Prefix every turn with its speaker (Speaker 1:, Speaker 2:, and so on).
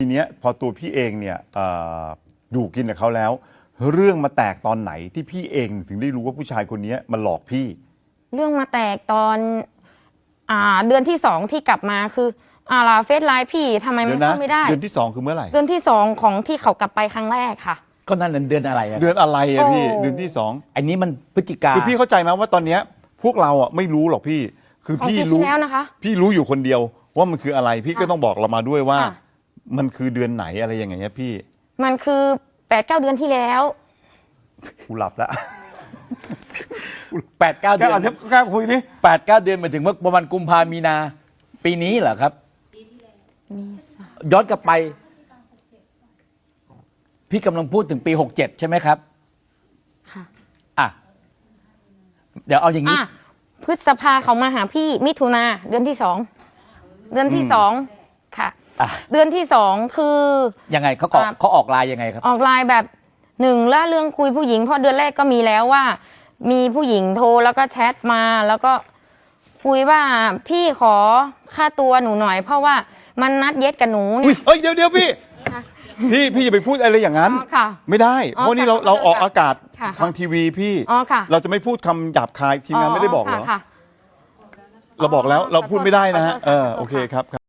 Speaker 1: ทีเนี้ยพอตัวพี่เองเนี่ยอยู่กินกับเขาแล้ว เรื่องมาแตกตอนไหนที่พี่เองถึงได้รู้ว่าผู้ชายคนนี้มาหลอกพี่
Speaker 2: เรื่องมาแตกตอนเดือนที่2ที่กลับมาคือเฟซไลน์พี่ทำไมมันเข้าไม่ได้
Speaker 1: เดือนที่2คือเมื่อไหร่
Speaker 2: เดือนที่2ของที่เขากลับไปครั้งแรกค่ะ
Speaker 3: ก็นั่นเดือนอะไร
Speaker 1: เดือนอะไรอะพี่เดือนที่2
Speaker 3: อันนี้มันพฤศจิกา
Speaker 1: คือพี่เข้าใจไหมว่าตอนเนี้ยพวกเราอ่ะไม่รู้หรอกพี่คือพี่รู้
Speaker 2: แล้วนะคะ
Speaker 1: พี่รู้อยู่คนเดียวว่ามันคืออะไรพี่ก็ต้องบอกเรามาด้วยว่ามันคือเดือนไหนอะไรอย่างเงี้ยพี่
Speaker 2: มันคือ 8-9 เดือนที่แล้ว
Speaker 1: กูหลับแล้ว
Speaker 3: 8-9 เดือน
Speaker 1: แค่คุยดิ
Speaker 3: 8-9 เดือนหมายถึงว่าประมาณกุมภามีนาปีนี้เหรอครับย้อนกลับไปพี่กำลังพูดถึงปี67ใช่ไหมครับค่ะเดี๋ยวเอาอย่างนี้
Speaker 2: พฤษภาเขามาหาพี่มิถุนาเดือนที่2เดือนที่2ค่ะเดือนที่2คือ
Speaker 3: ยังไงเขาออกไลน์ยังไงครับ
Speaker 2: ออกไลน์แบบ1ละเรื่องคุยผู้หญิงเพราะเดือนแรกก็มีแล้วว่ามีผู้หญิงโทรแล้วก็แชทมาแล้วก็คุยว่าพี่ขอค่าตัวหนูหน่อยเพราะว่ามันนัดเย็ดกับหนูเนี่ย
Speaker 1: เฮ้ยเดี๋ยวพี่พี่อย่าไปพูดอะไรอย่างนั้นไม่ได้เพราะนี่เราออกอากาศทางทีวีพี่เราจะไม่พูดคำหยาบคายทีมงานไม่ได้บอกเหรอเราบอกแล้วเราพูดไม่ได้นะฮะโอเคครับ